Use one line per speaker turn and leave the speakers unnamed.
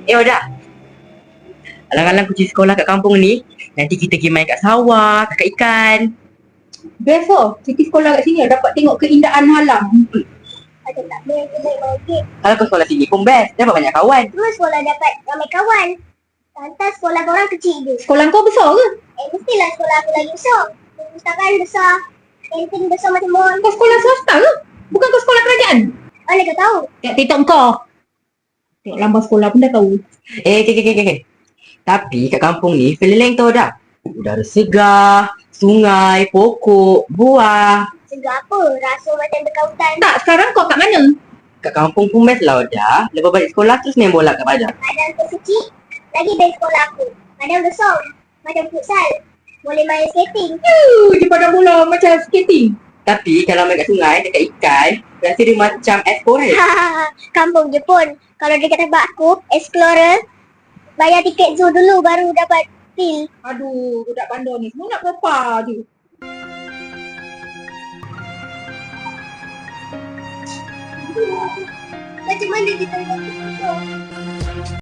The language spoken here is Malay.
Oda, alang-alang kucing sekolah kat kampung ni, nanti kita pergi main kat sawah, tangkap ikan.
Best oh, cuti sekolah kat sini dapat tengok keindahan alam.
Ada tak boleh kita naik balik.
Kalau kau sekolah sini pun best, dapat banyak kawan.
Cuma sekolah dapat ramai kawan. Lantas sekolah korang kecil je.
Sekolah kau besar ke?
Mestilah sekolah aku lagi besar. Perpustakaan besar. Kantin besar macam mall.
Kau sekolah swasta ke? Bukan kau sekolah kerajaan?
Mana kau tahu?
Tengok TikTok kau. Tengok lambang sekolah pun dah tahu.
Okay. Tapi kat kampung ni, feeling lain tau dah. Udara segar, sungai, pokok, buah.
Segar apa? Rasa macam dekat hutan.
Tak, sekarang kau kat mana?
Kat kampung pun best lah dah. Lepas balik sekolah terus main bola kat padang.
Padang tu kecil. Lagi dari sekolah aku. Padang besar. Macam futsal. Boleh main skating.
Di padang bola macam skating.
Tapi kalau main kat sungai, dekat ikan, rasa dia macam explorer.
Kampung Jepun. Kalau dekat tempat aku, explorer. Bayar tiket zoo dulu baru dapat feel.
Aduh, budak bandar ni semua nak propa je.
Macam mana kita nak